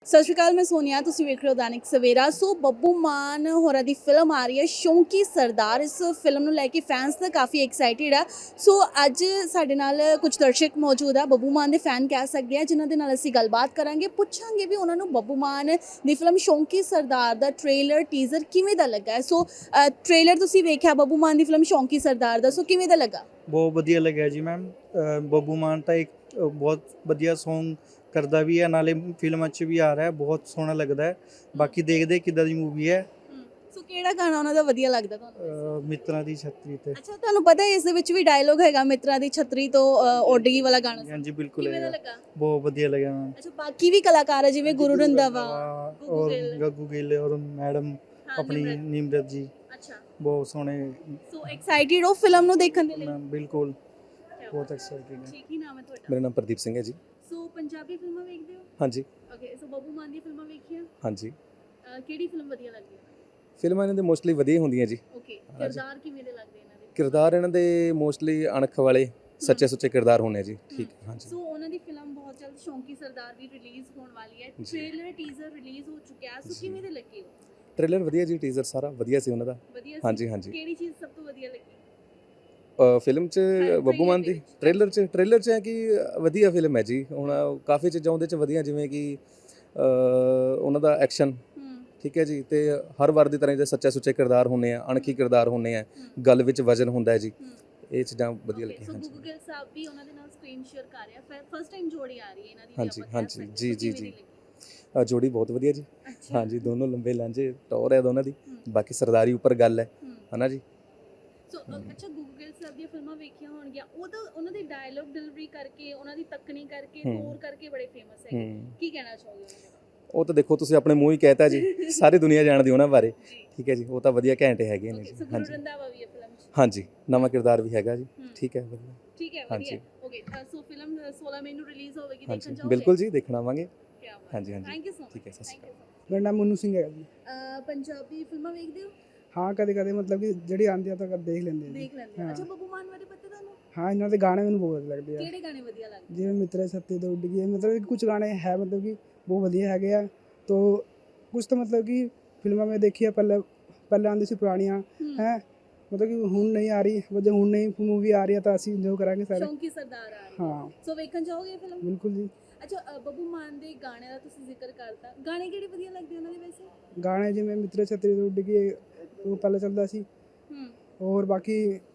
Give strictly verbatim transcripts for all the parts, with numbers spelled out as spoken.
ਸਤਿ ਸ਼੍ਰੀ ਅਕਾਲ, ਮੈਂ ਸੋਨੀਆ, ਤੁਸੀਂ ਵੇਖ ਰਹੇ ਹੋ ਦੈਨਿਕ ਸਵੇਰਾ। ਸੋ ਬੱਬੂ ਮਾਨ ਹੋਰਾਂ ਦੀ ਫਿਲਮ ਆ ਰਹੀ ਹੈ ਸ਼ੌਂਕੀ ਸਰਦਾਰ। ਇਸ ਫਿਲਮ ਨੂੰ ਲੈ ਕੇ ਫੈਨਸ ਤਾਂ ਕਾਫੀ ਐਕਸਾਈਟਿਡ ਆ। ਸੋ ਅੱਜ ਸਾਡੇ ਨਾਲ ਕੁਝ ਦਰਸ਼ਕ ਮੌਜੂਦ ਆ, ਬੱਬੂ ਮਾਨ ਦੇ ਫੈਨ ਕਹਿ ਸਕਦੇ ਆ, ਜਿਨ੍ਹਾਂ ਦੇ ਨਾਲ ਅਸੀਂ ਗੱਲਬਾਤ ਕਰਾਂਗੇ, ਪੁੱਛਾਂਗੇ ਵੀ ਉਹਨਾਂ ਨੂੰ ਬੱਬੂ ਮਾਨ ਦੀ ਫਿਲਮ ਸ਼ੌਂਕੀ ਸਰਦਾਰ ਦਾ ਟ੍ਰੇਲਰ ਟੀਜ਼ਰ ਕਿਵੇਂ ਦਾ ਲੱਗਾ ਹੈ। ਸੋ ਟ੍ਰੇਲਰ ਤੁਸੀਂ ਵੇਖਿਆ ਬੱਬੂ ਮਾਨ ਦੀ ਫਿਲਮ ਸ਼ੌਂਕੀ ਸਰਦਾਰ ਦਾ, ਸੋ ਕਿਵੇਂ ਦਾ ਲੱਗਾ? ਬਹੁਤ ਵਧੀਆ ਲੱਗਿਆ ਜੀ ਮੈਮ। ਬੱਬੂ ਮਾਨ ਤਾਂ ਇੱਕ ਅ, ਬਹੁਤ ਵਧੀਆ ਸੌਂਗ ਕਰਦਾ ਵੀ ਹੈ, ਨਾਲੇ ਫਿਲਮਾਂ 'ਚ ਵੀ ਆ ਰਿਹਾ ਹੈ, ਬਹੁਤ ਸੋਹਣਾ ਲੱਗਦਾ ਹੈ। ਬਾਕੀ ਦੇਖਦੇ ਕਿੱਦਾਂ ਦੀ ਮੂਵੀ ਹੈ। ਸੋ ਕਿਹੜਾ ਗਾਣਾ ਉਹਨਾਂ ਦਾ ਵਧੀਆ ਲੱਗਦਾ ਤੁਹਾਨੂੰ? ਅ, ਮਿੱਤਰਾਂ ਦੀ ਛਤਰੀ ਤੇ। ਅੱਛਾ, ਤੁਹਾਨੂੰ ਪਤਾ ਹੈ ਇਸ ਦੇ ਵਿੱਚ ਵੀ ਡਾਇਲੋਗ ਹੈਗਾ ਮਿੱਤਰਾਂ ਦੀ ਛਤਰੀ ਤੋਂ ਉੱਡ ਗਈ ਵਾਲਾ ਗਾਣਾ? ਹਾਂਜੀ ਬਿਲਕੁਲ ਕਿਵੇਂ ਦਾ ਹੈ, ਲੱਗਾ? ਬਹੁਤ ਵਧੀਆ ਲੱਗਿਆ ਮੈਮ। ਅੱਛਾ, ਬਾਕੀ ਵੀ ਕਲਾਕਾਰ ਹੈ ਜਿਵੇਂ ਗੁਰੂ ਰੰਧਾਵਾ, ਗੁੱਗੂ ਔਰ ਗਿੱਲ, ਗੱਗੂ ਗਿੱਲ ਔਰ ਮੈਡਮ ਹਾਂ, ਆਪਣੀ ਨਿਮਰਤ। ਨਿਮਰਤ ਜੀ, ਅੱਛਾ, ਬਹੁਤ ਸੋਹਣੇ ਸੋ ਐਕਸਾਈਟਿਡ ਹੋ ਫਿਲਮ ਨੂੰ ਦੇਖਣ ਦੇ ਲਈ? ਮੈਮ। ਬਿਲਕੁਲ ਬਹੁਤ ਐਕਸਾਈਟਿੰਗ ਹੈ। ਠੀਕ ਹੀ ਨਾਮ ਹੈ ਤੁਹਾਡਾ? ਮੇਰਾ ਨਾਮ ਪ੍ਰਦੀਪ ਸਿੰਘ ਹੈ ਜੀ। ਸੋ ਪੰਜਾਬੀ ਫਿਲਮਾਂ ਵੇਖਦੇ ਹੋ? ਹਾਂਜੀ ਓਕੇ, ਸੋ ਬੱਬੂ ਮਾਨ ਦੀਆਂ ਫਿਲਮਾਂ ਵੇਖੀਆਂ? ਹਾਂਜੀ ਅਹ ਕਿਹੜੀ ਫਿਲਮ ਵਧੀਆ ਲੱਗਦੀ ਹੈ? ਫਿਲਮਾਂ ਇਹਨਾਂ ਦੇ ਮੋਸਟਲੀ ਵਧੀਆ ਹੁੰਦੀਆਂ ਜੀ। ਓਕੇ, ਕਿਰਦਾਰ ਕਿਵੇਂ ਦੇ ਲੱਗਦੇ ਇਹਨਾਂ ਦੇ? ਕਿਰਦਾਰ ਇਹਨਾਂ ਦੇ ਮੋਸਟਲੀ ਅਣਖ ਵਾਲੇ ਸੱਚੇ ਸੁੱਚੇ ਕਿਰਦਾਰ ਹੁੰਦੇ ਜੀ। ਠੀਕ ਹੈ, ਹਾਂਜੀ। ਸੋ ਉਹਨਾਂ ਦੀ ਫਿਲਮ ਬਹੁਤ ਜਲਦ ਸ਼ੌਂਕੀ ਸਰਦਾਰ ਵੀ ਰਿਲੀਜ਼ ਹੋਣ ਵਾਲੀ ਹੈ। ਜੀ। ਟ੍ਰੇਲਰ ਟੀਜ਼ਰ ਰਿਲੀਜ਼ ਹੋ ਚੁੱਕਿਆ, ਸੋ ਜੀ। ਕਿਵੇਂ ਦੇ ਲੱਗੇ ਹੋ? ਟ੍ਰੇਲਰ ਵਧੀਆ ਜੀ, ਟੀਜ਼ਰ ਸਾਰਾ ਵਧੀਆ ਸੀ ਉਹਨਾਂ ਦਾ। ਵਧੀਆ ਸੀ? ਹਾਂਜੀ ਹਾਂਜੀ। ਕਿਹੜੀ ਚੀਜ਼ ਸਭ ਤੋਂ ਵਧੀਆ ਲੱਗੀ? ਫਿਲਮ 'ਚ ਹਾਂ, ਬੱਬੂ ਮਾਨ trailer ਦੀ ਦੇ ਵਿੱਚ। ਟ੍ਰੇਲਰ 'ਚ ਟ੍ਰੇਲਰ 'ਚ ਹੈ ਕਿ ਵਧੀਆ ਫਿਲਮ ਹੈ ਜੀ। ਹੁਣ ਕਾਫੀ ਚੀਜ਼ਾਂ ਉਹਦੇ 'ਚ ਵਧੀਆ, ਜਿਵੇਂ ਕਿ ਅ, ਉਹਨਾਂ ਦਾ ਐਕਸ਼ਨ, ਹੂੰ ਠੀਕ ਹੈ ਜੀ, ਤੇ ਹਰ ਵਾਰ ਦੀ ਤਰ੍ਹਾਂ ਜਿਹੜੇ ਸੱਚੇ ਸੁੱਚੇ ਕਿਰਦਾਰ ਹੁੰਦੇ ਆ, ਅਣਖੀ ਕਿਰਦਾਰ ਹੁੰਦੇ ਆ, ਗੱਲ ਵਿੱਚ ਵਜਨ ਹੁੰਦਾ ਹੈ ਜੀ। ਹੂੰ ਇਹ ਚੀਜ਼ਾਂ ਵਧੀਆ Okay, ਲੱਗੀਆਂ। ਸੋ ਹਾਂਜੀ ਗੁੱਗੂ ਗਿੱਲ ਸਾਹਿਬ ਵੀ ਉਹਨਾਂ ਦੇ ਨਾਲ ਸਕਰੀਨ ਸ਼ੇਅਰ ਕਰ ਰਿਹਾ, ਫਸਟ ਟਾਈਮ ਜੋੜੀ ਆ ਰਹੀ ਹੈ ਇਹਨਾਂ ਦੀ ਵੀ, ਹਾਂਜੀ, ਆਪਾਂ ਕਹਿ ਹਾਂਜੀ, ਸਕਦੇ। ਜੀ, ਸੋ ਜੀ, ਕਿਵੇਂ ਦੀ ਜੀ। ਲੱਗੀ? ਅ, ਜੋੜੀ ਬਹੁਤ ਵਧੀਆ ਜੀ। ਅੱਛਾ। ਹਾਂਜੀ, ਦੋਨੋਂ ਲੰਬੇ ਲਾਂਝੇ ਟੌਰ ਹੈ ਦੋਨਾਂ ਦੀ। ਹੂੰ। ਬਾਕੀ ਸਰਦਾਰੀ ਉੱਪਰ ਗੱਲ ਹੈ ਹੂੰ। ਹਨਾ ਜੀ। ਸੋ ਅ, ਅੱਛਾ, ਗੁੱਗੂ ਗਿੱਲ ਸਾਹਿਬ ਦੀਆਂ ਫਿਲਮਾਂ ਵੇਖੀਆਂ ਹੋਣਗੀਆਂ, ਉਹ ਤਾਂ ਉਹਨਾਂ ਦੀ ਡਾਇਲੌਗ ਡਿਲੀਵਰੀ ਕਰਕੇ, ਉਹਨਾਂ ਦੀ ਤੱਕਣੀ ਕਰਕੇ, ਹੂੰ। ਟੋਰ ਕਰਕੇ ਬੜੇ ਫੇਮਸ ਹੈਗੇ। ਹੂੰ। ਕੀ ਕਹਿਣਾ ਚਾਹੋਗੇ ਉਹਨਾਂ ਬਾਰੇ? ਉਹ ਤਾਂ ਦੇਖੋ, ਤੁਸੀਂ ਆਪਣੇ ਮੂੰਹ ਹੀ ਕਹਿਤਾ ਜੀ, ਸਾਰੀ ਦੁਨੀਆ ਜਾਣਦੀ ਉਹਨਾਂ ਬਾਰੇ। ਜੀ। ਠੀਕ ਹੈ ਜੀ, ਉਹ ਤਾਂ ਵਧੀਆ ਘੈਂਟ ਹੈਗੇ ਨੇ ਓਕੇ, ਜੀ। ਸੋ ਗੁਰੂ ਹਾਂਜੀ ਰੰਧਾਵਾ ਵੀ ਹੈ ਫਿਲਮ 'ਚ? ਹਾਂਜੀ, ਨਵਾਂ ਕਿਰਦਾਰ ਵੀ ਹੈਗਾ ਜੀ। ਹੂੰ। ਠੀਕ ਹੈ, ਵਧੀਆ। ਠੀਕ ਹੈ, ਹਾਂਜੀ। ਵਧੀਆ। ਓਕੇ, ਸੋ ਫਿਲਮ ਸੋਲਾਂ ਮਈ ਨੂੰ ਰਿਲੀਜ਼ ਹੋਵੇਗੀ, ਹਾਂਜੀ ਦੇਖਣ ਜਾਓਗੇ? ਬਿਲਕੁਲ ਜੀ, ਦੇਖਣ ਆਵਾਂਗੇ। ਕੀ ਬਾਤ ਹਾਂਜੀ ਹੈ। ਹਾਂਜੀ। Thank you so much. ਠੀਕ ਹੈ, ਸਤਿ ਸ਼੍ਰੀ ਥੈਂਕ ਯੂ ਅਕਾਲ। ਸੋ ਮੇਰਾ ਨਾਮ ਮਨੂ ਸਿੰਘ ਹੈ ਜੀ। ਮਚ। ਪੰਜਾਬੀ ਫਿਲਮਾਂ ਵੇਖਦੇ ਹੋ? ਹਾਂ, ਕਦੇ ਕਦੇ ਮਤਲਬ ਕਿ ਜਿਹੜੀ ਆਉਂਦੀ ਆ ਤਾਂ ਕਦੇ ਦੇਖ ਲੈਂਦੇ ਆ ਜੀ। ਦੇਖ ਲੈਂਦੇ ਹੋ? ਹਾਂ। ਅੱਛਾ, ਬੱਬੂ ਮਾਨ ਬਾਰੇ ਪਤਾ ਤੁਹਾਨੂੰ? ਹਾਂ, ਇਹਨਾਂ ਦੇ ਗਾਣੇ ਮੈਨੂੰ ਬਹੁਤ ਵਧੀਆ ਲੱਗਦੇ ਆ। ਕਿਹੜੇ ਗਾਣੇ ਵਧੀਆ ਲੱਗਦੇ? ਜਿਵੇਂ ਮਿੱਤਰੇ ਸੱਤੇ ਤੋਂ ਉੱਡ ਗਈ, ਮਤਲਬ ਕਿ ਕੁਝ ਗਾਣੇ ਹੈ ਮਤਲਬ ਕਿ ਬਹੁਤ ਵਧੀਆ ਹੈਗੇ ਆ। ਤੋ ਕੁਝ ਤਾਂ ਮਤਲਬ ਕਿ ਫਿਲਮਾਂ ਮੈਂ ਦੇਖੀ ਆ, ਪਹਿਲਾਂ ਪਹਿਲਾਂ ਆਉਂਦੀ ਸੀ ਪੁਰਾਣੀਆਂ ਹੂੰ। ਹੈ, ਮਤਲਬ ਕਿ ਹੁਣ ਨਹੀਂ ਆ ਰਹੀ। ਜੇ ਹੁਣ ਨਹੀਂ ਮੂਵੀ ਆ ਰਹੀ ਆ ਤਾਂ ਅਸੀਂ ਇੰਜੋਏ ਕਰਾਂਗੇ ਸਾਰੇ। ਸ਼ੌਂਕੀ ਸਰਦਾਰ ਆ ਰਹੀ ਹੈ। ਹਾਂ ਸੋ ਵੇਖਣ ਜਾਓਗੇ ਫਿਲਮ? ਬਿਲਕੁਲ ਜੀ। ਅੱਛਾ, ਅ, ਬੱਬੂ ਮਾਨ ਦੇ ਗਾਣਿਆਂ ਦਾ ਤੁਸੀਂ ਜ਼ਿਕਰ ਕਰਤਾ, ਗਾਣੇ ਕਿਹੜੇ ਵਧੀਆ ਲੱਗਦੇ ਉਹਨਾਂ ਦੇ ਵੈਸੇ? ਗਾਣੇ ਜਿਵੇਂ ਮਿੱਤਰੇ ਸੱਤੇ ਤੋਂ ਉੱਡ ਗਈ, ਉਹ ਪਹਿਲਾਂ ਚੱਲਦਾ ਸੀ। ਹੂੰ। ਹੋਰ ਬਾਕੀ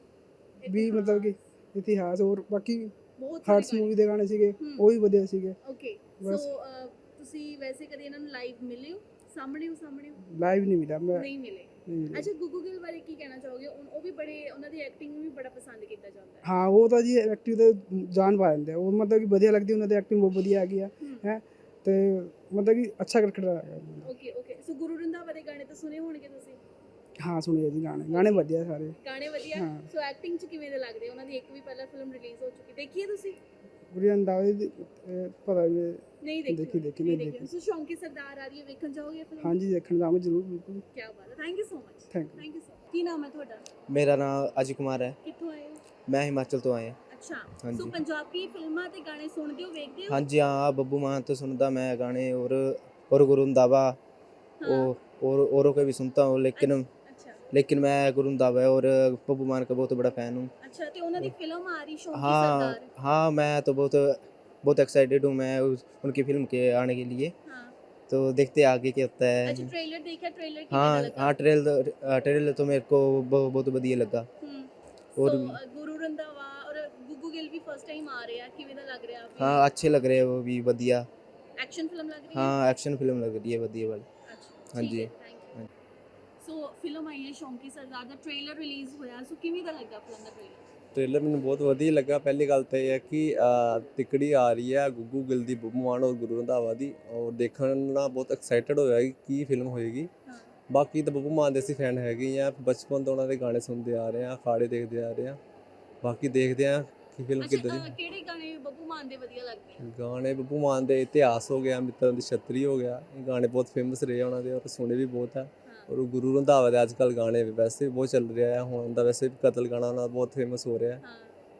ਵੀ ਮਤਲਬ ਕਿ ਇਤਿਹਾਸ, ਹੋਰ ਬਾਕੀ ਬਹੁਤ ਸਾਰੇ ਹਾਰਟਸ ਮੂਵੀ ਦੇ ਗਾਣੇ ਸੀਗੇ, ਹੂੰ। ਉਹ ਵੀ ਵਧੀਆ ਸੀਗੇ। ਓਕੇ, ਬਸ। ਸੋ ਅ, ਤੁਸੀਂ ਵੈਸੇ ਕਦੇ ਇਹਨਾਂ ਨੂੰ ਲਾਈਵ ਮਿਲੇ ਹੋ? ਸਾਹਮਣੇ ਹੋ? ਸਾਹਮਣੇ ਹੋ? ਲਾਈਵ ਨਹੀਂ ਮਿਲਿਆ ਮੈਂ। ਨਹੀਂ ਮਿਲੇ। ਨਹੀਂ ਮਿਲਿਆ। ਅੱਛਾ, ਗੁੱਗੂ ਗਿੱਲ ਬਾਰੇ ਕੀ ਕਹਿਣਾ ਚਾਹੋਗੇ? ਉਨ- ਉਹ ਵੀ ਬੜੇ, ਉਹਨਾਂ ਦੀ ਐਕਟਿੰਗ ਨੂੰ ਵੀ ਬੜਾ ਪਸੰਦ ਕੀਤਾ ਜਾਂਦਾ ਹੈ। ਹਾਂ, ਉਹ ਤਾਂ ਜੀ ਐਕਟਿੰਗ ਤੇ ਜਾਨ ਪਾ ਦਿੰਦੇ ਆ। ਉਹ ਮਤਲਬ ਕਿ ਵਧੀਆ ਲੱਗਦੀ, ਉਹਨਾਂ ਦੀ ਐਕਟਿੰਗ ਬਹੁਤ ਵਧੀਆ ਹੈਗੀ ਆ ਹੂੰ। ਹੈ, ਤੇ ਮਤਲਬ ਕਿ ਅੱਛਾ ਕਰਕਟਰ ਹੈਗਾ। Okay okay, so Guru Randhawa ਦੇ ਗਾਣੇ ਤਾਂ ਸੁਣੇ ਹੋਣਗੇ ਤੁਸੀਂ? ਹਾਂ, ਸੁਣਿਆ ਜੀ ਗਾਣੇ, ਗਾਣੇ ਵਧੀਆ ਸਾਰੇ। ਗਾਣੇ ਵਧੀਆ। ਹਾਂ। ਸੋ ਐਕਟਿੰਗ 'ਚ ਕਿਵੇਂ ਦੇ ਲੱਗਦੇ? ਉਹਨਾਂ ਦੀ ਇੱਕ ਵੀ ਪਹਿਲਾਂ ਫਿਲਮ ਰਿਲੀਜ਼ ਹੋ ਚੁੱਕੀ, ਦੇਖੀ ਹੈ ਤੁਸੀਂ? ਗੁਰੀ ਅੰਦਾਜ਼ੇ ਦੀ ਅਹ, ਪਤਾ ਨਹੀਂ। ਨਹੀਂ ਦੇਖੀ? ਦੇਖੀ- ਦੇਖੀ, ਨਹੀਂ ਨਹੀਂ ਦੇਖੀ। ਦੇਖੀ। ਸੋ ਸ਼ੌਂਕੀ ਸਰਦਾਰ ਆ ਰਹੀ ਹੈ, ਵੇਖਣ ਜਾਓਗੇ ਫਿਲਮ? ਹਾਂਜੀ, ਦੇਖਣ ਜਾਵਾਂਗੇ ਜ਼ਰੂਰ, ਬਿਲਕੁਲ। ਕੀ ਬਾਤ ਹੈ, thank you so much. Thank you. Thank you so. ਕੀ ਨਾਮ ਹੈ ਤੁਹਾਡਾ? ਮੇਰਾ ਨਾਮ ਅਜੇ ਕੁਮਾਰ ਹੈ। ਕਿੱਥੋਂ ਆਏ ਹੋ? ਮੈਂ ਹਿਮਾਚਲ ਤੋਂ ਆਇਆ। ਅੱਛਾ। ਹਾਂਜੀ। ਸੋ ਪੰਜਾਬੀ ਫਿਲਮਾਂ ਤੇ ਗਾਣੇ ਸੁਣਦੇ ਹੋ, ਵੇਖਦੇ ਹੋ? ਹਾਂਜੀ ਹਾਂ, ਬੱਬੂ ਮਾਨ तो सुनता मैं गाने, और और गुरु रंधावा, हाँ। और और औरों के भी सुनता हूँ, लेकिन ਅੱਛਾ लेकिन मैं गुरु रंधावा और बब्बू मान का बहुत बड़ा फ़ैन हूँ। ਅੱਛਾ, ਤੇ ਉਹਨਾਂ ਦੀ ਫਿਲਮ ਆ ਰਹੀ ਸ਼ੌਂਕੀ हाँ ਸਰਦਾਰ? हाँ, मैं तो बहुत बहुत एक्साइटेड हूँ मैं उस, उनकी फिल्म के आने के लिए। ਹਾਂ। तो देखते हैं आगे क्या होता ਅੱਛਾ, है। ਟ੍ਰੇਲਰ ਦੇਖਿਆ? ਟ੍ਰੇਲਰ ਕਿਵੇਂ ਦਾ हाँ ਲੱਗਾ? हाँ, ट्रेलर ट्रेलर तो मेरे को बहुत बहुत बढ़िया लगा। ਹੂੰ। और ਸੋ ਅ, ਗੁਰੂ ਰੰਧਾਵਾ ਔਰ ਗੁੱਗੂ ਗਿੱਲ ਵੀ ਫਸਟ ਟਾਈਮ ਆ ਰਹੇ ਆ, ਕਿਵੇਂ ਦਾ ਲੱਗ ਰਿਹਾ? हाँ, अच्छे लग रहे हैं वो भी, बढ़िया। ਐਕਸ਼ਨ ਫਿਲਮ ਲੱਗ ਰਹੀ ਹੈ? हाँ, एक्शन फिल्म लग रही है बढ़िया वाली। ਅੱਛਾ, हाँ ਠੀਕ जी। ਹੈ, ਥੈਂਕ ਯੂ। ਸੋ ਫਿਲਮ ਆਈ ਹੈ ਸ਼ੌਂਕੀ ਸਰਦਾਰ ਦਾ ਟ੍ਰੇਲਰ ਰਿਲੀਜ਼ ਹੋਇਆ, ਸੋ ਕਿਵੇਂ ਦਾ ਲੱਗਾ ਫਿਲਮ ਦਾ ਟ੍ਰੇਲਰ? ਟ੍ਰੇਲਰ ਮੈਨੂੰ ਬਹੁਤ ਵਧੀਆ ਲੱਗਾ। ਪਹਿਲੀ ਗੱਲ ਤਾਂ ਇਹ ਹੈ ਕਿ ਅ, ਤਿਕੜੀ ਆ ਰਹੀ ਹੈ ਗੁੱਗੂ ਗਿੱਲ ਦੀ, ਬੱਬੂ ਮਾਨ ਔਰ ਗੁਰੂ ਰੰਧਾਵਾ ਦੀ, ਔਰ ਦੇਖਣ ਨਾਲ ਬਹੁਤ ਐਕਸਾਈਟਡ ਹੋਇਆ ਕਿ ਕੀ ਫਿਲਮ ਹੋਏਗੀ। ਹਾਂ। ਬਾਕੀ ਤਾਂ ਬੱਬੂ ਮਾਨ ਦੇ ਅਸੀਂ ਫੈਨ ਹੈਗੇ ਆ, ਬਚਪਨ ਤੋਂ ਉਹਨਾਂ ਦੇ ਗਾਣੇ ਸੁਣਦੇ ਆ ਰਹੇ ਆ, ਅਖਾੜੇ ਦੇਖਦੇ ਆ ਰਹੇ ਆ। ਬਾਕੀ ਦੇਖਦੇ ਆ ਕਿ ਫਿਲਮ ਅੱਛਾ, ਕਿੱਦਾਂ ਅ, ਦੀ। ਕਿਹੜੇ ਗਾਣੇ ਬੱਬੂ ਮਾਨ ਦੇ ਵਧੀਆ ਲੱਗਦੇ ਆ? ਗਾਣੇ ਬੱਬੂ ਮਾਨ ਦੇ ਇਤਿਹਾਸ ਹੋ ਗਿਆ, ਮਿੱਤਰਾਂ ਦੀ ਛਤਰੀ ਹੋ ਗਿਆ, ਇਹ ਗਾਣੇ ਬਹੁਤ ਫੇਮਸ ਰਹੇ ਆ ਉਹਨਾਂ ਦੇ, ਔਰ ਸੁਣੇ ਵੀ ਬਹੁਤ ਆ। ਹਾਂ। ਔਰ ਗੁਰੂ ਰੰਧਾਵਾ ਦੇ ਅੱਜ ਕੱਲ੍ਹ ਗਾਣੇ ਵੈਸੇ ਵੀ ਬਹੁਤ ਚੱਲ ਰਿਹਾ ਹੈ। ਹੁਣ ਦਾ ਵੈਸੇ ਵੀ ਕਤਲ ਗਾਣਾ ਉਹਨਾਂ ਦਾ ਬਹੁਤ ਫੇਮਸ ਹੋ ਰਿਹਾ ਹੈ। ਹਾਂ।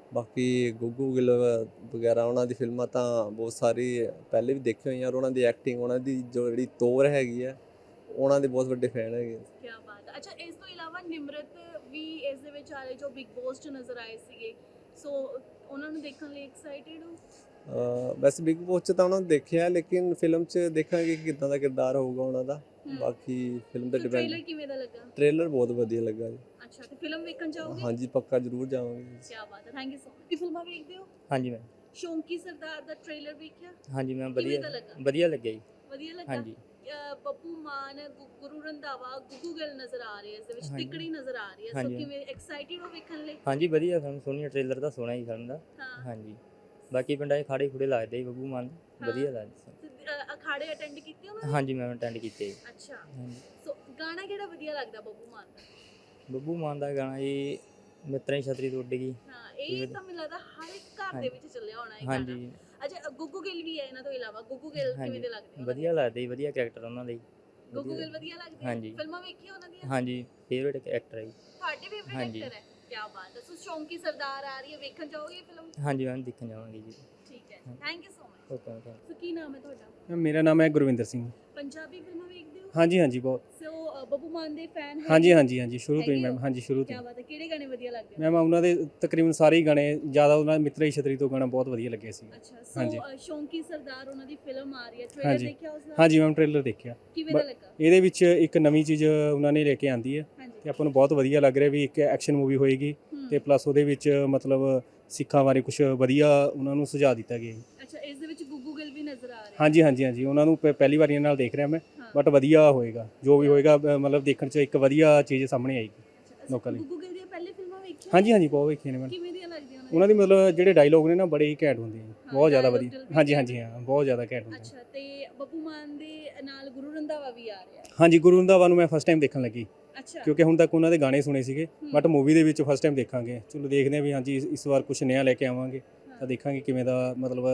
ਬਾਕੀ ਗੁੱਗੂ ਗਿੱਲ ਵਗੈਰਾ ਉਹਨਾਂ ਦੀ ਫਿਲਮਾਂ ਤਾਂ ਬਹੁਤ ਸਾਰੀ ਪਹਿਲੇ ਵੀ ਦੇਖੀ ਹੋਈਆਂ, ਔਰ ਉਹਨਾਂ ਦੀ ਐਕਟਿੰਗ, ਉਹਨਾਂ ਦੀ ਜੋ ਜਿਹੜੀ ਤੋਰ ਹੈਗੀ ਹੈ, ਉਹਨਾਂ ਦੇ ਬਹੁਤ ਵੱਡੇ ਫੈਨ ਹੈਗੇ। ਕੀ ਬਾਤ ਹੈ। ਅੱਛਾ, ਇਸ ਤੋਂ ਇਲਾਵਾ ਨਿਮਰਤ ਵੀ ਇਸ ਦੇ ਵਿੱਚ ਆ ਰਹੇ ਜੋ ਬਿਗ ਬੌਸ 'ਚ ਨਜ਼ਰ ਆਏ ਸੀਗੇ, ਸੋ ਉਹਨਾਂ ਨੂੰ ਦੇਖਣ ਲਈ ਐਕਸਾਈਟਿਡ ਹੋ? ਅਹ ਵੈਸੇ ਬਿਗ ਬੌਸ 'ਚ ਤਾਂ ਉਹਨਾਂ ਨੂੰ ਦੇਖਿਆ, ਲੇਕਿਨ ਫਿਲਮ 'ਚ ਦੇਖਾਂਗੇ ਕਿ ਕਿੱਦਾਂ ਦਾ ਕਿਰਦਾਰ ਹੋਊਗਾ ਉਹਨਾਂ ਦਾ। ਹਮ। ਬਾਕੀ ਫਿਲਮ ਤੇ ਟ੍ਰੇਲਰ ਡਿਪੈਂਡ। ਕਿਵੇਂ ਦਾ ਲੱਗਾ? ਟ੍ਰੇਲਰ ਬਹੁਤ ਵਧੀਆ ਲੱਗਾ ਜੀ। ਅੱਛਾ, ਤੇ ਫਿਲਮ ਵੇਖਣ ਜਾਓਗੇ? ਹਾਂਜੀ ਪੱਕਾ ਜ਼ਰੂਰ ਜਾਵਾਂਗੇ। ਕੀ ਬਾਤ ਹੈ, ਥੈਂਕ ਯੂ ਸੋ ਮਚ। ਕੀ ਫਿਲਮਾਂ ਵੇਖਦੇ ਹੋ? ਹਾਂਜੀ ਮੈਮ। ਸ਼ੌਂਕੀ ਸਰਦਾਰ ਦਾ ਟ੍ਰੇਲਰ ਵੇਖਿਆ? ਹਾਂਜੀ ਮੈਮ, ਕਿਵੇਂ ਵਧੀਆ ਦਾ ਲੱਗਾ? ਵਧੀਆ ਲੱਗਿਆ ਜੀ। ਵਧੀਆ ਲੱਗਾ? ਹਾਂਜੀ ਅਹ ਬੱਬੂ ਮਾਨ, ਗੁ- ਗੁਰੂ ਰੰਧਾਵਾ, ਗੁੱਗੂ ਗਿੱਲ ਨਜ਼ਰ ਆ ਰਹੇ ਇਸ ਦੇ ਵਿੱਚ, ਹਾਂਜੀ। ਤਿਕੜੀ ਨਜ਼ਰ ਆ ਰਹੀ ਹੈ, ਸੋ ਹਾਂਜੀ। ਕਿਵੇਂ ਐਕਸਾਈਟਿਡ ਹੋ ਵੇਖਣ ਲਈ? ਹਾਂਜੀ ਵਧੀਆ ਫਿਲਮ ਸੋਹਣੀ, ਟ੍ਰੇਲਰ ਤਾਂ ਸੋਹਣਾ ਹੀ ਫਿਲਮ ਦਾ। ਹਾਂ। ਹਾਂਜੀ ਬਾਕੀ ਪਿੰਡਾਂ 'ਚ ਖਾੜੇ ਖੁੜੇ ਲੱਗਦੇ ਜੀ ਬੱਬੂ ਮਾਨ ਦੇ, ਹਾਂ। ਵਧੀਆ ਲੱਗਦੇ। ਤੇ, ਅਹ, ਅਖਾੜੇ ਅਟੈਂਡ ਕੀਤੇ ਉਹਨਾਂ ਨੇ? ਹਾਂਜੀ ਮੈਮ ਅਟੈਂਡ ਕੀਤੇ ਜੀ। ਅੱਛਾ, ਹਾਂਜੀ ਸੋ ਗਾਣਾ ਕਿਹੜਾ ਵਧੀਆ ਲੱਗਦਾ ਬੱਬੂ ਮਾਨ ਦਾ? ਬੱਬੂ ਮਾਨ ਦਾ ਗਾਣਾ ਜੀ ਮਿੱਤਰਾਂ ਦੀ ਛਤਰੀ ਤੋਂ ਉੱਡ ਗਈ। ਹਾਂ, ਇਹ ਤਾਂ ਮੈਨੂੰ ਲੱਗਦਾ ਹਰ ਇੱਕ ਘਰ ਦੇ ਹਾਂਜੀ। ਵਿੱਚ ਚੱਲਿਆ ਹੋਣਾ ਇਹ ਗਾਣਾ। ਹਾਂਜੀ ਅੱਛਾ, ਗੁੱਗੂ ਗਿੱਲ ਵੀ ਹੈ ਇਹਨਾਂ ਤੋਂ ਇਲਾਵਾ, ਗੁੱਗੂ ਗਿੱਲ ਕਿਵੇਂ ਹਾਂਜੀ ਦੇ ਲੱਗਦੇ ਉਹਨਾਂ ਦੇ? ਵਧੀਆ ਲੱਗਦੇ ਜੀ, ਵਧੀਆ ਕੈਰੈਕਟਰ ਉਹਨਾਂ ਦੇ ਜੀ। ਗੁੱਗੂ ਵਧੀਆ। ਗਿੱਲ ਵਧੀਆ ਲੱਗਦੇ ਆ? ਹਾਂਜੀ। ਫਿਲਮਾਂ ਵੇਖੀਆਂ ਉਹਨਾਂ ਦੀਆਂ? ਹਾਂਜੀ ਫੇਵਰੇਟ ਐਕਟਰ ਹੈ ਜੀ। ਤੁਹਾਡੇ ਫੇਵਰਿਟ ਹਾਂਜੀ। ਐਕਟਰ ਹੈ? ਕੀ ਬਾਤ ਹੈ। ਸੋ ਸ਼ੌਂਕੀ ਸਰਦਾਰ ਆ ਰਹੀ ਹੈ, ਵੇਖਣ ਜਾਓਗੇ ਇਹ ਫਿਲਮ? ਹਾਂਜੀ ਮੈਮ ਦੇਖਣ ਜਾਵਾਂਗੇ ਜੀ। ਠੀਕ ਹੈ, ਹਾਂ। Thank you so much. Okay ma'am thank so ਕੀ ਨਾਮ ਹੈ ਤੁਹਾਡਾ? ਮੇਰਾ ਨਾਮ ਹੈ ਗੁਰਵਿੰਦਰ ਸਿੰਘ। ਪੰਜਾਬੀ ਫਿਲਮਾਂ ਵੇਖਦੇ ਹੋ? ਹਾਂਜੀ ਹਾਂਜੀ ਬਹੁਤ। ਸੋ ਅ, ਬੱਬੂ ਮਾਨ ਦੇ ਫੈਨ ਹੈ? ਹਾਂਜੀ ਹਾਂਜੀ ਹਾਂਜੀ ਸ਼ੁਰੂ ਤੋਂ ਹੀ ਹੈਗੇ ਮੈਮ। ਹੋ? ਹਾਂਜੀ ਸ਼ੁਰੂ ਕੀ ਤੋਂ ਬਾਤ ਹੈ, ਕਿਹੜੇ ਗਾਣੇ ਵਧੀਆ ਲੱਗਦੇ ਮੈਮ ਉਹਨਾਂ ਦੇ ਤਕਰੀਬਨ ਸਾਰੇ ਹੀ ਗਾਣੇ, ਜ਼ਿਆਦਾ ਉਹਨਾਂ ਮਿੱਤਰਾ ਦੀ ਛਤਰੀ ਤੋਂ ਗਾਣਾ ਬਹੁਤ ਵਧੀਆ ਲੱਗੇ ਸੀ। ਅੱਛਾ, ਸੋ ਹਾਂਜੀ। ਅ, ਸ਼ੌਂਕੀ ਸਰਦਾਰ ਉਹਨਾਂ ਦੀ ਫਿਲਮ ਆ ਰਹੀ ਹੈ, ਟ੍ਰੇਲਰ ਹਾਂਜੀ। ਦੇਖਿਆ ਉਸ ਦਾ? ਹਾਂਜੀ ਮੈਮ ਟ੍ਰੇਲਰ ਦੇਖਿਆ। ਕਿਵੇਂ ਦਾ ਬ- ਲੱਗਾ? ਇਹਦੇ ਵਿੱਚ ਇੱਕ ਨਵੀਂ ਚੀਜ਼ ਉਹਨਾਂ ਨੇ ਲੈ ਕੇ ਆਂਦੀ ਹੈ ਤੇ ਹਾਂਜੀ। ਆਪਾਂ ਨੂੰ ਬਹੁਤ ਵਧੀਆ ਲੱਗ ਰਿਹਾ ਵੀ ਇੱਕ ਐਕਸ਼ਨ ਮੂਵੀ ਹੋਏਗੀ ਹੂੰ। ਤੇ ਪਲੱਸ ਉਹਦੇ ਵਿੱਚ ਮਤਲਬ ਸਿੱਖਾਂ ਬਾਰੇ ਕੁਝ ਵਧੀਆ ਉਹਨਾਂ ਨੂੰ ਸੁਝਾਅ ਦਿੱਤਾ ਗਿਆ ਹੈ। ਅੱਛਾ, ਇਸ ਦੇ ਵਿੱਚ ਗੁੱਗੂ ਗਿੱਲ ਵੀ ਨਜ਼ਰ ਆ ਰਿਹਾ ਹੈ? ਹਾਂਜੀ ਹਾਂਜੀ ਹਾਂਜੀ ਉਹਨਾਂ ਨੂੰ ਪ- ਪਹਿਲੀ ਵਾਰੀ ਨਾਲ ਦੇਖ ਰਿਹਾ ਮੈਂ, ਹਾਂ। ਬਟ ਵਧੀਆ ਹੋਏਗਾ ਜੋ ਵੀ ਹੋਏਗਾ, ਬ- ਮਤਲਬ ਦੇਖਣ 'ਚ ਇੱਕ ਵਧੀਆ ਚੀਜ਼ ਸਾਹਮਣੇ ਆਏਗੀ। ਅੱਛਾ, ਅਸੀਂ ਲੋਕਾਂ ਲਈ। ਗੁੱਗੂ ਗਿੱਲ ਦੀਆਂ ਪਹਿਲੇ ਫਿਲਮਾਂ ਵੇਖੀਆਂ? ਹਾਂਜੀ ਹਾਂਜੀ ਬਹੁਤ ਵੇਖੀਆਂ ਨੇ ਮੈਂ। ਕਿਵੇਂ ਦੀਆਂ ਲੱਗਦੀਆਂ ਉਹਨਾਂ ਦੀ ਮਤਲਬ ਜਿਹੜੇ ਡਾਇਲੋਗ ਨੇ ਨਾ ਬੜੇ ਹੀ ਘੈਂਟ ਹੁੰਦੇ ਆ, ਬਹੁਤ ਜ਼ਿਆਦਾ dialogue ਵਧੀਆ। ਦਿਲ ਦੇ ਹਾਂਜੀ ਘੈਂਟ ਹਾਂਜੀ ਹਾਂ ਬਹੁਤ ਜ਼ਿਆਦਾ ਘੈਂਟ ਹੁੰਦੇ ਆ। ਅੱਛਾ, ਤੇ ਬੱਬੂ ਮਾਨ ਦੇ ਨਾਲ ਗੁਰੂ ਰੰਧਾਵਾ ਵੀ ਆ ਰਿਹਾ ਹੈ? ਹਾਂਜੀ ਗੁਰੂ ਰੰਧਾਵਾ ਨੂੰ ਮੈਂ ਫਸਟ ਟਾਈਮ ਦੇਖਣ ਲੱਗੀ, ਅੱਛਾ। ਕਿਉਂਕਿ ਹੁਣ ਤੱਕ ਉਹਨਾਂ ਦੇ ਗਾਣੇ ਸੁਣੇ ਸੀਗੇ, ਹੂੰ। ਬਟ ਮੂਵੀ ਦੇ ਵਿੱਚ ਫਸਟ ਟਾਈਮ ਦੇਖਾਂਗੇ। ਚਲੋ ਦੇਖਦੇ ਹਾਂ ਵੀ ਹਾਂਜੀ ਇਸ- ਇਸ ਵਾਰ ਕੁਝ ਨਵਾਂ ਲੈ ਕੇ ਆਵਾਂਗੇ ਹਾਂ। ਤਾਂ ਦੇਖਾਂਗੇ ਕਿਵੇਂ ਦਾ ਮਤਲਬ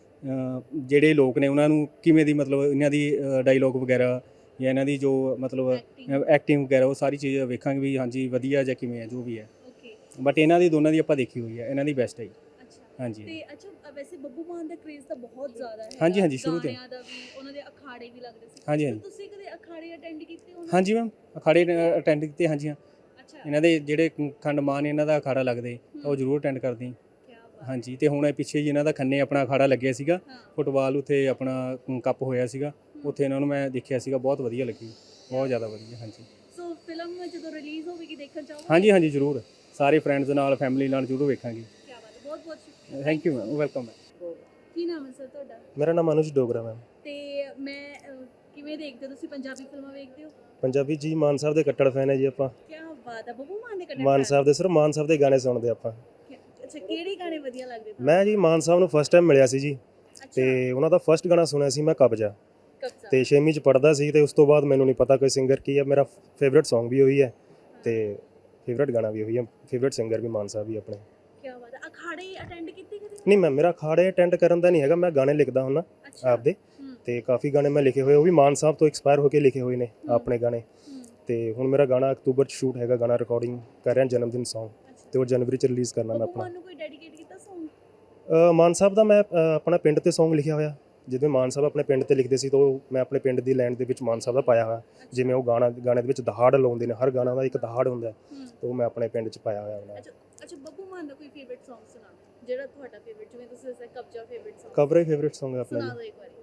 ਅ, ਜਿਹੜੇ ਲੋਕ ਨੇ ਉਹਨਾਂ ਨੂੰ ਕਿਵੇਂ ਦੀ ਮਤਲਬ ਇਹਨਾਂ ਦੀ ਡਾਇਲੋਗ ਵਗੈਰਾ ਜਾਂ ਇਹਨਾਂ ਦੀ ਜੋ ਮਤਲਬ Acting। ਐਕਟਿੰਗ ਵਗੈਰਾ ਉਹ ਸਾਰੀ ਚੀਜ਼ ਵੇਖਾਂਗੇ ਵੀ ਹਾਂਜੀ ਵਧੀਆ ਜਾਂ ਕਿਵੇਂ ਹੈ ਜੋ ਵੀ ਹੈ। ਓਕੇ। ਬਟ ਇਹਨਾਂ ਦੀ ਦੋਨਾਂ ਦੀ ਆਪਾਂ ਦੇਖੀ ਹੋਈ ਹੈ, ਇਹਨਾਂ ਦੀ ਬੈਸਟ ਹੈ ਜੀ। ਅੱਛਾ, ਹਾਂਜੀ ਤੇ ਅੱਛਾ, ਅ, ਵੈਸੇ ਬੱਬੂ ਮਾਨ ਦਾ ਕ੍ਰੇਜ਼ ਤਾਂ ਬਹੁਤ ਜ਼ਿਆਦਾ ਹੈ। ਹਾਂਜੀ, ਹਾਂਜੀ, ਸ਼ੁਰੂ ਤੋਂ। ਗਾਣਿਆਂ ਦਾ ਵੀ, ਉਹਨਾਂ ਦੇ ਅਖਾੜੇ ਵੀ ਲੱਗਦੇ ਸੀ। ਹਾਂਜੀ, ਤਾਂ ਹਾਂਜੀ। ਤੁਸੀਂ ਕਦੇ ਅਖਾੜੇ ਅਟੈਂਡ ਕੀਤੇ ਉਹਨਾਂ ਦੇ? ਹਾਂਜੀ ਮੈਮ ਅਖਾੜੇ ਅਟੈਂਡ ਕੀਤੇ। ਹਾਂਜੀ ਹਾਂ ਅੱਛਾ, ਇਹਨਾਂ ਦੇ ਜਿਹੜੇ ਖੰਡ ਮਾਨ ਇਹਨਾਂ ਦਾ ਅਖਾੜਾ ਲੱਗਦੇ ਤਾਂ ਉਹ ਹੂੰ। ਜ਼ਰੂਰ ਅਟੈਂਡ ਕਰਦੇ ਹਾਂ। ਕਿਆ ਬਾਤ। ਹਾਂਜੀ ਤੇ ਹੁਣ ਇਹ ਪਿੱਛੇ ਜੀ ਇਹਨਾਂ ਦਾ ਖੰਨੇ ਆਪਣਾ ਅਖਾੜਾ ਲੱਗਿਆ ਸੀਗਾ, ਹਾਂ। ਫੁੱਟਬਾਲ ਉੱਥੇ ਆਪਣਾ ਕ- ਕੱਪ ਹੋਇਆ ਸੀਗਾ, ਹੂੰ। ਉੱਥੇ ਇਹਨਾਂ ਨੂੰ ਮੈਂ ਦੇਖਿਆ ਸੀਗਾ, ਬਹੁਤ ਵਧੀਆ ਲੱਗੀ, ਬਹੁਤ ਜ਼ਿਆਦਾ ਵਧੀਆ। ਹਾਂਜੀ ਸੋ ਫਿਲਮ ਜਦੋਂ ਰਿਲੀਜ਼ ਹੋਵੇਗੀ ਦੇਖਣ ਚਾਹੋਗੇ? ਹਾਂਜੀ ਹਾਂਜੀ ਜ਼ਰੂਰ, ਸਾਰੇ ਫਰੈਂਡਸ ਨਾਲ ਫੈਮਿਲੀ ਨਾਲ ਜ਼ਰੂਰ ਵੇਖਾਂਗੇ। ਕਿਆ ਬਾਤ ਹੈ, ਬਹੁਤ ਬਹੁਤ ਸ਼ੁਕਰੀਆ। Thank you ma'am, welcome ma'am. ਕੀ ਨਾਮ ਹੈ ਸਰ ਤੁਹਾਡਾ? ਮੇਰਾ ਨਾਮ ਅਨੁਜ ਡੋਗਰਾ ਮੈਮ। ਤੇ ਮੈਂ ਅ, ਕਿਵੇਂ ਦੇਖਦੇ ਹੋ ਤੁਸੀਂ, ਪੰਜਾਬੀ ਫਿਲਮਾਂ ਵੇਖਦੇ ਹੋ? ਪੰਜਾਬੀ ਜੀ ਮਾਨ ਸਾਹਿਬ ਦੇ ਕੱਟੜ ਫੈਨ ਹੈ ਜੀ ਆਪਾਂ। ਕਿਆ ਬਾਤ ਹੈ, ਬੱਬੂ ਮਾਨ ਦੇ ਕੱਟੜ ਮਾਨ fan? ਸਾਹਿਬ ਦੇ ਸਿਰਫ ਮਾਨ ਸਾਹਿਬ ਦੇ ਗਾਣੇ ਸੁਣਦੇ ਆਪਾਂ। ਕਿਆ- ਅੱਛਾ, ਕਿਹੜੇ ਗਾਣੇ ਵਧੀਆ ਲੱਗਦੇ ਤੁਹਾਨੂੰ? ਮੈਂ ਜੀ ਮਾਨ ਸਾਹਿਬ ਨੂੰ ਫਸਟ ਟਾਈਮ ਮਿਲਿਆ ਸੀ ਜੀ, ਅੱਛਾ, ਤੇ ਉਹਨਾਂ ਦਾ ਫਸਟ ਗਾਣਾ ਸੁਣਿਆ ਸੀ ਮੈਂ ਕਬਜ਼ਾ, ਕਬਜ਼ਾ। ਤੇ ਛੇਵੀਂ ਚ ਪੜਦਾ ਸੀ, ਤੇ ਉਸ ਤੋਂ ਬਾਅਦ ਮੈਨੂੰ ਨਹੀਂ ਪਤਾ ਕੋਈ ਸਿੰਗਰ ਕੀ ਹੈ। ਮੇਰਾ ਫੇਵਰਿਟ Song ਵੀ ਉਹੀ ਹੈ ਤੇ ਫੇਵਰਿਟ ਗਾਣਾ ਵੀ ਉਹੀ ਹੈ, ਫੇਵਰਿਟ ਸਿੰਗਰ ਵੀ ਮਾਨ ਸਾਹਿਬ ਹੀ ਆਪਣੇ। ਕਿਆ ਬਾਤ ਹੈ, ਅਖਾੜੇ ਅਟੈਂਡ ਕੀਤੇ ਕਦੇ? ਨਹੀਂ ਮੈਮ ਮੇਰਾ ਅਖਾੜੇ ਅਟੈਂਡ ਕਰਨ ਦਾ ਨਹੀਂ ਹੈਗਾ, ਮੈਂ ਗਾਣੇ ਲਿਖਦਾ ਹੁੰਦਾ ਅੱਛਾ। ਆਪਦੇ, ਹੂੰ, ਤੇ ਕਾਫੀ ਗਾਣੇ ਮੈਂ ਲਿਖੇ ਹੋਏ, ਉਹ ਵੀ ਮਾਨ ਸਾਹਿਬ ਤੋਂ ਐਕਸਪਾਇਰ ਹੋ ਕੇ ਲਿਖੇ ਹੋਏ ਨੇ ਹੂੰ। ਆਪਣੇ ਗਾਣੇ। ਹੂੰ, ਤੇ ਹੁਣ ਮੇਰਾ ਗਾਣਾ ਅਕਤੂਬਰ ਚ ਸ਼ੂਟ ਹੈਗਾ, ਗਾਣਾ ਰਿਕਾਰਡਿੰਗ ਕਰ ਰਿਹਾ ਜਨਮ ਦਿਨ Song, ਅੱਛਾ। ਤੇ ਉਹ ਜਨਵਰੀ ਚ ਰਿਲੀਜ਼ ਕਰਨਾ ਮੈਂ ਬੱਬੂ ਆਪਣਾ। ਮਾਨ ਨੂੰ ਕੋਈ ਡੈਡੀਕੇਟ ਕੀਤਾ Song? ਅ, ਮਾਨ ਸਾਹਿਬ ਦਾ ਮੈਂ ਅ, ਆਪਣਾ ਪਿੰਡ ਤੇ Song ਲਿਖਿਆ ਹੋਇਆ, ਜਿਵੇਂ ਮਾਨ ਸਾਹਿਬ ਆਪਣੇ ਪਿੰਡ ਤੇ ਲਿਖਦੇ ਸੀ ਤਾਂ ਉਹ ਮੈਂ ਆਪਣੇ ਪਿੰਡ ਦੀ ਲਾਈਨ ਦੇ ਵਿੱਚ ਮਾਨ ਸਾਹਿਬ ਦਾ ਪਾਇਆ ਹੋਇਆ। ਜਿਵੇਂ ਉਹ ਗਾਣਾ ਗਾਣੇ ਦੇ ਵਿੱਚ ਦਹਾੜ ਲਾਉਂਦੇ ਨੇ, ਹਰ ਗਾਣਾ ਦਾ ਇੱਕ ਦਹਾੜ ਹੁੰਦਾ ਹੈ, ਹੂੰ। ਤੇ ਉਹ ਮੈਂ ਆਪਣੇ ਪਿੰਡ ਚ ਪਾਇਆ ਹੋਇਆ ਉਹਨਾਂ। ਅੱਛਾ ਅੱਛਾ, ਬੱਬੂ ਮਾਨ ਦਾ ਕੋਈ ਫੇਵਰਿਟ Song ਸੁਣਾ ਦਿਓ, ਜਿਹੜਾ ਤੁਹਾਡਾ ਫੇਵਰਿਟ, ਜਿਵੇਂ ਤੁਸੀਂ ਦੱਸਿਆ ਕਬਜ਼ਾ ਫੇਵਰਿਟ Song। ਕਬਰੇ ਫੇਵਰਿਟ Song ਹੈ ਆਪਣਾ ਸੁਣਾ ਜੀ। ਦਿਓ ਇੱਕ ਵਾਰੀ।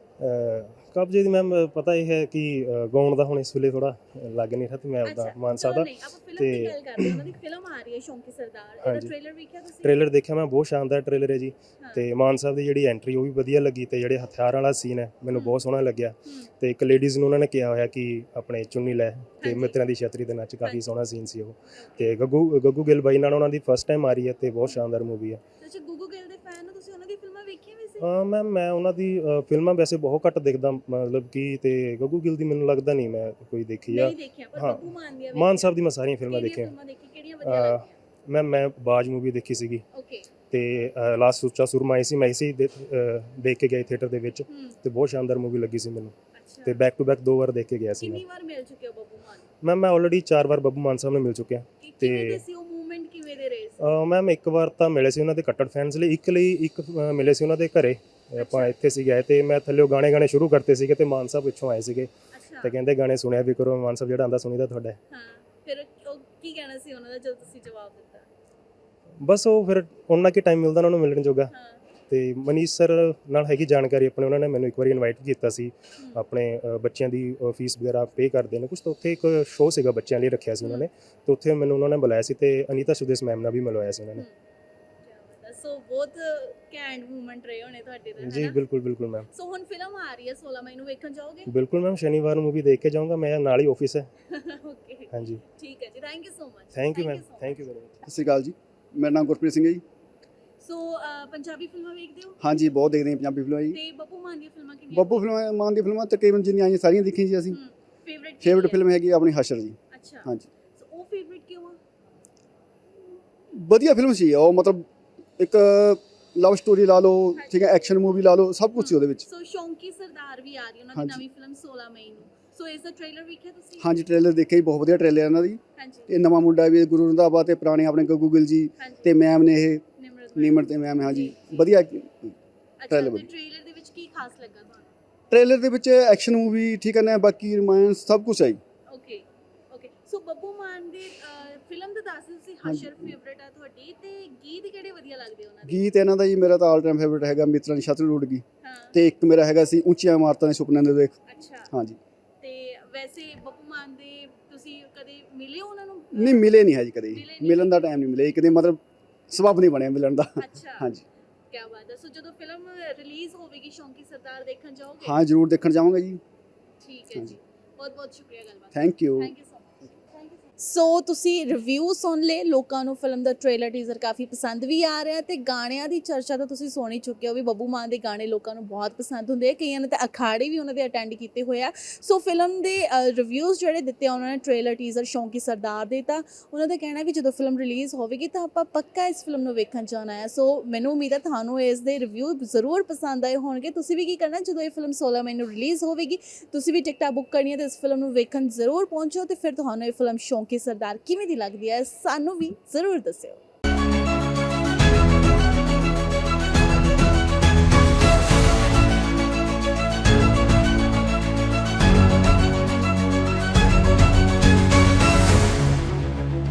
ਅ, ਕਬਜੇ ਦੀ ਮੈਮ ਪਤਾ ਇਹ ਹੈ ਕਿ ਅ, ਗਾਉਣ ਦਾ ਹੁਣ ਇਸ ਵੇਲੇ ਥੋੜਾ ਲੱਗ ਨਹੀਂ ਰਿਹਾ, ਤੇ ਮੈਂ ਆਪਦਾ ਅੱਛਾ, ਮਾਨ ਸਾਹਿਬ ਚਲੋ ਦਾ ਨਹੀਂ, ਆਪਾਂ ਫਿਲਮ ਤੇ- ਦੀ ਗੱਲ ਕਰਦੇ ਹਾਂ। ਉਹਨਾਂ ਦੀ ਫਿਲਮ ਆ ਰਹੀ ਹੈ ਸ਼ੌਂਕੀ ਸਰਦਾਰ, ਇਹਦਾ ਹਾਂਜੀ। ਟ੍ਰੇਲਰ ਵੇਖਿਆ ਤੁਸੀਂ? ਟ੍ਰੇਲਰ ਦੇਖਿਆ ਮੈਂ, ਬਹੁਤ ਸ਼ਾਨਦਾਰ ਟ੍ਰੇਲਰ ਹੈ ਜੀ। ਹਾਂ। ਤੇ ਮਾਨ ਸਾਹਿਬ ਦੀ ਜਿਹੜੀ ਐਂਟਰੀ ਉਹ ਵੀ ਵਧੀਆ ਲੱਗੀ, ਤੇ ਜਿਹੜੇ ਹਥਿਆਰ ਵਾਲਾ ਸੀਨ ਹੈ ਮੈਨੂੰ ਹੂੰ। ਬਹੁਤ ਸੋਹਣਾ ਲੱਗਿਆ। ਹੂੰ, ਤੇ ਇੱਕ ਲੇਡੀਜ਼ ਨੂੰ ਉਹਨਾਂ ਨੇ ਕਿਹਾ ਹੋਇਆ ਕਿ ਆਪਣੇ ਚੁੰਨੀ ਲੈ, ਤੇ ਹਾਂਜੀ। ਮਿੱਤਰਾਂ ਦੀ ਛਤਰੀ ਦੇ ਨੱਚ, ਹਾਂਜੀ। ਕਾਫੀ ਸੋਹਣਾ ਸੀਨ ਸੀ ਉਹ। ਤੇ ਗੱਗੂ ਗੱਗੂ ਗਿੱਲ ਬਾਈ ਨਾਲ ਉਹਨਾਂ ਦੀ ਫਸਟ ਟਾਈਮ ਆ ਰਹੀ ਹੈ, ਤੇ ਬਹੁਤ ਸ਼ਾਨਦਾਰ ਮੂਵੀ ਹੈ। ਅੱਛਾ, ਗੁੱਗੂ ਗਿੱਲ ਦੇ ਫੈਨ ਹੋ ਤੁਸੀਂ, ਉਹਨਾਂ ਦੀ ਫਿਲਮਾਂ ਵੇਖੀਆਂ ਵੀ ਸੀ? ਹਾਂ ਮੈਮ ਮੈਂ ਉਹਨਾਂ ਦੀ ਅ, ਫਿਲਮਾਂ ਵੈਸੇ ਬਹੁਤ ਘੱਟ ਦੇਖਦਾ, ਮਤਲਬ ਕਿ ਤੇ ਗੱਗੂ ਗਿੱਲ ਦੀ ਮੈਨੂੰ ਲੱਗਦਾ ਨਹੀਂ ਮੈਂ ਕੋਈ ਦੇਖੀ ਆ। ਨਹੀਂ ਦੇਖਿਆ, ਪਰ ਹਾਂ। ਬੱਬੂ ਮਾਨ ਦੀਆਂ ਮਾਨ ਸਾਹਿਬ ਦੀ ਮੈਂ ਸਾਰੀਆਂ ਫਿਲਮਾਂ ਕਿਹੜੀਆਂ ਦੇਖੀਆਂ। ਫਿਲਮਾਂ ਦੇਖੀ, ਕਿਹੜੀਆਂ ਵਧੀਆ ਅਹ, ਲੱਗਦੀਆਂ? ਮੈਮ ਮੈਂ ਬਾਜ ਮੂਵੀ ਦੇਖੀ ਸੀਗੀ, ਓਕੇ। ਤੇ ਲਾਸਟ ਸੁੱਚਾ ਸੁਰਮਾ ਆਈ ਸੀ, ਮੈਂ ਇਸੇ ਦੇ- ਅ, ਦੇਖ ਕੇ ਗਿਆ ਥੀਏਟਰ ਦੇ ਵਿੱਚ, ਹੂੰ, ਤੇ ਬਹੁਤ ਸ਼ਾਨਦਾਰ ਮੂਵੀ ਲੱਗੀ ਸੀ ਮੈਨੂੰ, ਅੱਛਾ। ਤੇ ਬੈਕ ਟੂ ਬੈਕ ਦੋ ਵਾਰ ਦੇਖ ਕੇ ਗਿਆ ਸੀ ਮੈਂ। ਕਿੰਨੀ ਵਾਰ ਮਿਲ ਚੁੱਕੇ ਹੋ ਬੱਬੂ ਮਾਨ? ਮੈਮ ਮੈਂ ਆਲਰੇਡੀ ਚਾਰ ਵਾਰ ਬੱਬੂ ਮਾਨ ਸਾਹਿਬ ਨੂੰ ਮਿਲ ਚੁੱਕਿਆ। ਕਿ ਤੇ- ਕਿਵੇਂ ਦੇ ਸੀ ਉਹ ਮੂਵਮੈਂਟ, ਕਿਵੇਂ ਦੇ ਰਹੇ ਸੀ? ਮੈਮ ਇੱਕ ਵਾਰ ਤਾਂ ਮਿਲੇ ਸੀ ਉਹਨਾਂ ਦੇ ਕੱਟੜ ਫੈਨਸ ਲਈ, ਇੱਕ ਲਈ ਇੱਕ ਅ, ਮਿਲੇ ਸੀ ਉਹਨਾਂ ਦੇ ਘਰੇ। ਆਪਾਂ ਇੱਥੇ ਸੀ ਗਏ ਤੇ ਮੈਂ ਥੱਲੇ ਗਾਣੇ ਗਾਣੇ ਸ਼ੁਰੂ ਕਰਤੇ ਸੀਗੇ ਤੇ ਮਾਨ ਸਾਹਿਬ ਪਿੱਛੋਂ ਆਏ ਸੀਗੇ ਅੱਛਾ ਤੇ ਕਹਿੰਦੇ ਗਾਣੇ ਸੁਣਿਆ ਵੀ ਕਰੋ। ਮਾਨ ਸਾਹਿਬ ਜਿਹੜਾ ਆਂਦਾ ਸੁਣੀਦਾ ਤੁਹਾਡਾ। ਹਾਂ, ਫਿਰ ਉਹ ਕੀ ਕਹਿਣਾ ਸੀ ਉਹਨਾਂ ਦਾ ਜਦੋਂ ਤੁਸੀਂ ਜਵਾਬ ਦਿੱਤਾ? ਬਸ ਉਹ ਫਿਰ ਉਹਨਾਂ ਕੀ ਟਾਈਮ ਮਿਲਦਾ ਉਹਨਾਂ ਨੂੰ ਮਿਲਣ ਜੋਗਾ। ਹਾਂ। ਤੇ ਮਨੀਸ਼ ਸਰ ਨਾਲ ਹੈਗੀ ਜਾਣਕਾਰੀ ਆਪਣੇ, ਉਹਨਾਂ ਨੇ ਮੈਨੂੰ ਇੱਕ ਵਾਰੀ ਇਨਵਾਈਟ ਕੀਤਾ ਸੀ ਹਮ, ਆਪਣੇ ਅ, ਬੱਚਿਆਂ ਦੀ ਫੀਸ ਵਗੈਰਾ ਪੇ ਕਰਦੇ ਨੇ ਕੁਝ, ਤਾਂ ਉੱਥੇ ਇੱਕ ਸ਼ੋਅ ਸੀਗਾ ਬੱਚਿਆਂ ਲਈ ਰੱਖਿਆ ਸੀ ਉਹਨਾਂ ਨੇ, ਤੇ ਉੱਥੇ ਮੈਨੂੰ ਉਹਨਾਂ ਨੇ ਬੁਲਾਇਆ ਸੀ ਤੇ ਅਨੀਤਾ ਸੁਦੇਸ਼ ਮੈਮ ਨਾਲ ਵੀ ਮਿਲਵਾਇਆ ਸੀ ਉਹਨਾਂ ਨੇ। ਹਮ, ਕਿਆ ਬਾਤ ਹੈ। ਸੋ ਬਹੁਤ ਕੈਂਡ ਮੂਮੈਂਟ ਰਹੇ ਹੋਣੇ ਤੁਹਾਡੇ ਤੇ, ਜੀ ਹੈ ਨਾ? ਬਿਲਕੁਲ ਬਿਲਕੁਲ ਮੈਮ, ਸੋ ਹੁਣ ਫਿਲਮ ਆ ਰਹੀ ਹੈ ਸੋਲਾਂ ਮਈ ਨੂੰ, ਵੇਖਣ ਜਾਓਗੇ? ਬਿਲਕੁਲ ਮੈਮ। ਸ਼ਨੀਵਾਰ ਨੂੰ ਮੂਵੀ ਦੇਖ ਕੇ ਜਾਊਂਗਾ, ਮੈਂ ਨਾਲ ਹੀ ਆਫਿਸ ਹੈ। ਓਕੇ, ਹਾਂਜੀ, ਠੀਕ ਹੈ ਜੀ, thank you so much. Thank you ma'am, thank you very much. ਸਤਿ ਸ਼੍ਰੀ ਅਕਾਲ ਜੀ, ਮੇਰਾ ਨਾਮ ਗੁਰਪ੍ਰੀਤ ਸਿੰਘ ਹੈ ਜੀ। ਸੋ ਪੰਜਾਬੀ ਫਿਲਮਾਂ ਵੇਖਦੇ ਹੋ? ਹਾਂਜੀ, ਬਹੁਤ ਦੇਖਦੇ ਹਾਂ ਪੰਜਾਬੀ ਫਿਲਮਾਂ ਜੀ। ਤੇ ਬੱਬੂ ਮਾਨ ਦੀਆਂ ਫਿਲਮਾਂ ਕਿੰਨੀਆਂ? ਬੱਬੂ ਫਿਲਮਾਂ ਮਾਨ ਦੀ ਫਿਲਮਾਂ ਤਕਰੀਬਨ ਜਿੰਨੀਆਂ ਆਈਆਂ ਸਾਰੀਆਂ ਦੇਖੀਆਂ ਜੀ ਅਸੀਂ। ਫੇਵਰਿਟ ਫੇਵਰਟ ਫਿਲਮ ਹੈਗੀ ਆਪਣੀ ਹਸ਼ਰ ਜੀ। ਅੱਛਾ, ਹਾਂਜੀ, ਸੋ ਉਹ ਫੇਵਰਿਟ ਕਿਉਂ ਆ? ਵਧੀਆ ਫਿਲਮ ਸੀ ਉਹ, ਮਤਲਬ ਇੱਕ ਲਵ ਸਟੋਰੀ ਲਾ ਲਓ, ਠੀਕ ਹੈ, ਐਕਸ਼ਨ ਮੂਵੀ ਲਾ ਲਓ, ਸਭ ਕੁਝ ਸੀ ਉਹਦੇ ਵਿੱਚ। ਸੋ ਸ਼ੌਂਕੀ ਸਰਦਾਰ ਵੀ ਆ ਰਹੀ ਉਹਨਾਂ ਦੀ ਹਾਂਜੀ। ਨਵੀਂ ਫਿਲਮ ਸੋਲਾਂ ਮਈ ਨੂੰ। ਸੋ ਇਸ ਦਾ ਟ੍ਰੇਲਰ ਵੇਖਿਆ ਤੁਸੀਂ? ਹਾਂਜੀ, ਟ੍ਰੇਲਰ ਦੇਖਿਆ ਜੀ, ਬਹੁਤ ਵਧੀਆ ਟ੍ਰੇਲਰ ਇਹਨਾਂ ਦੀ। ਹਾਂਜੀ ਇਹ ਨਵਾਂ ਮੁੰਡਾ ਵੀ ਗੁਰੂ ਰੰਧਾਵਾ ਤੇ ਪੁਰਾਣੇ ਆਪਣੇ ਗੱਗੂ ਗਿੱਲ ਜੀ ਹਾਂਜੀ। ਤੇ ਮੈਮ ਨੇ ਇਹ ਨਿਮਰਤ ਨੀਮਰ ਤੇ ਮੈਮ, ਹਾਂਜੀ ਵਧੀਆ ਅੱਛਾ, trailer ਤੇ ਵਧੀਆ। ਟ੍ਰੇਲਰ ਦੇ ਵਿੱਚ ਕੀ ਖਾਸ ਲੱਗਾ ਤੁਹਾਨੂੰ? ਟ੍ਰੇਲਰ ਦੇ ਵਿੱਚ ਐਕਸ਼ਨ ਮੂਵੀ, ਠੀਕ ਹੈ ਨਾ, ਬਾਕੀ ਰੋਮਾਂਸ ਸਭ ਕੁਝ ਹੈ ਜੀ। Okay okay, so Babbu Maan ਦੀ ਫਿਲਮ ਦਾ ਦੱਸ ਦਿਓ ਤੁਸੀਂ। ਹਾਂਜੀ। ਹਸ਼ਰ ਫੇਵਰਿਟ ਆ ਤੁਹਾਡੀ, ਤੇ ਗੀਤ ਕਿਹੜੇ ਵਧੀਆ ਲੱਗਦੇ ਉਹਨਾਂ ਦੇ? ਗੀਤ ਇਹਨਾਂ ਦਾ ਜੀ ਮੇਰਾ ਤਾਂ ਆਲ ਟਾਈਮ ਫੇਵਰਟ ਹੈਗਾ ਮਿੱਤਰਾਂ ਦੀ ਛਤਰੀ ਉੱਡ ਗਈ, ਹਾਂ, ਤੇ ਇੱਕ ਮੇਰਾ ਹੈਗਾ ਸੀ ਉੱਚੀਆਂ ਇਮਾਰਤਾਂ ਦੇ ਸੁਪਨਿਆਂ ਦੇ ਦੇਖ। ਅੱਛਾ। ਹਾਂਜੀ, ਤੇ ਵੈਸੇ ਬੱਬੂ ਮਾਨ ਦੇ ਤੁਸੀਂ ਕਦੇ ਮਿਲੇ ਹੋ ਉਹਨਾਂ ਨੂੰ? ਨਹੀਂ ਮਿਲੇ ਨਹੀਂ ਹੈ ਜੀ ਕਦੇ, ਮਿਲੇ ਨਹੀਂ। ਮਿਲਣ ਦਾ ਟਾਈਮ ਨਹੀਂ ਮਿਲਿਆ ਜੀ ਕਦੇ, ਮਤਲਬ ਸਬਬ ਨਹੀਂ ਬਣਿਆ ਮਿਲਣ ਦਾ। ਅੱਛਾ, ਹਾਂਜੀ, ਕੀ ਬਾਤ ਹੈ। ਸੋ ਜਦੋਂ ਫਿਲਮ ਰਿਲੀਜ਼ ਹੋਵੇਗੀ ਸ਼ੌਂਕੀ ਸਰਦਾਰ ਦੇਖਣ ਜਾਓਗੇ? ਹਾਂ ਜ਼ਰੂਰ ਦੇਖਣ ਜਾਵਾਂਗਾ ਜੀ। ਠੀਕ ਹੈ ਹਾਂਜੀ। ਜੀ, ਬਹੁਤ ਬਹੁਤ ਸ਼ੁਕਰੀਆ ਗੱਲਬਾਤ। Thank you. Thank you so much. So ਤੁਸੀਂ ਰਿਵਿਊ ਸੁਣ ਲਏ, ਲੋਕਾਂ ਨੂੰ ਫਿਲਮ ਦਾ ਟ੍ਰੇਲਰ ਟੀਜ਼ਰ ਕਾਫੀ ਪਸੰਦ ਵੀ ਆ ਰਿਹਾ, ਤੇ ਗਾਣਿਆਂ ਦੀ ਚਰਚਾ ਤਾਂ ਤੁਸੀਂ ਸੁਣ ਹੀ ਚੁੱਕੇ ਹੋ ਵੀ ਬੱਬੂ ਮਾਨ ਦੇ ਗਾਣੇ ਲੋਕਾਂ ਨੂੰ ਬਹੁਤ ਪਸੰਦ ਹੁੰਦੇ ਆ, ਕਈਆਂ ਨੇ ਤਾਂ ਅਖਾੜੇ ਵੀ ਉਹਨਾਂ ਦੇ ਅਟੈਂਡ ਕੀਤੇ ਹੋਏ ਆ। ਸੋ ਫਿਲਮ ਦੇ ਰਿਵਿਊਜ਼ ਜਿਹੜੇ ਦਿੱਤੇ ਆ ਉਹਨਾਂ ਨੇ ਟ੍ਰੇਲਰ ਟੀਜ਼ਰ ਸ਼ੌਂਕੀ ਸਰਦਾਰ ਦੇ, ਤਾਂ ਉਹਨਾਂ ਦਾ ਕਹਿਣਾ ਵੀ ਜਦੋਂ ਫਿਲਮ ਰਿਲੀਜ਼ ਹੋਵੇਗੀ ਤਾਂ ਆਪਾਂ ਪੱਕਾ ਇਸ ਫਿਲਮ ਨੂੰ ਵੇਖਣ ਜਾਣਾ ਹੈ। ਸੋ ਮੈਨੂੰ ਉਮੀਦ ਹੈ ਤੁਹਾਨੂੰ ਇਸ ਦੇ ਰਿਵਿਊ ਜ਼ਰੂਰ ਪਸੰਦ ਆਏ ਹੋਣਗੇ। ਤੁਸੀਂ ਵੀ ਕੀ ਕਰਨਾ, ਜਦੋਂ ਇਹ ਫਿਲਮ ਸੋਲਾਂ ਮਈ ਨੂੰ ਰਿਲੀਜ਼ ਹੋਵੇਗੀ ਤੁਸੀਂ ਵੀ ਟਿਕਟਾਂ ਬੁੱਕ ਕਰਨੀਆਂ ਤੇ ਇਸ ਫਿਲਮ ਨੂੰ ਵੇਖਣ ਜ਼ਰੂਰ ਪਹੁੰਚੋ, ਤੇ ਫਿਰ ਤੁਹਾਨੂੰ ਇਹ ਫਿਲਮ ਸ਼ੌਂਕੀ ਸਰਦਾਰ ਕਿਵੇਂ ਦੀ ਲੱਗਦੀ ਹੈ ਸਾਨੂੰ ਵੀ ਜ਼ਰੂਰ ਦੱਸਿਓ।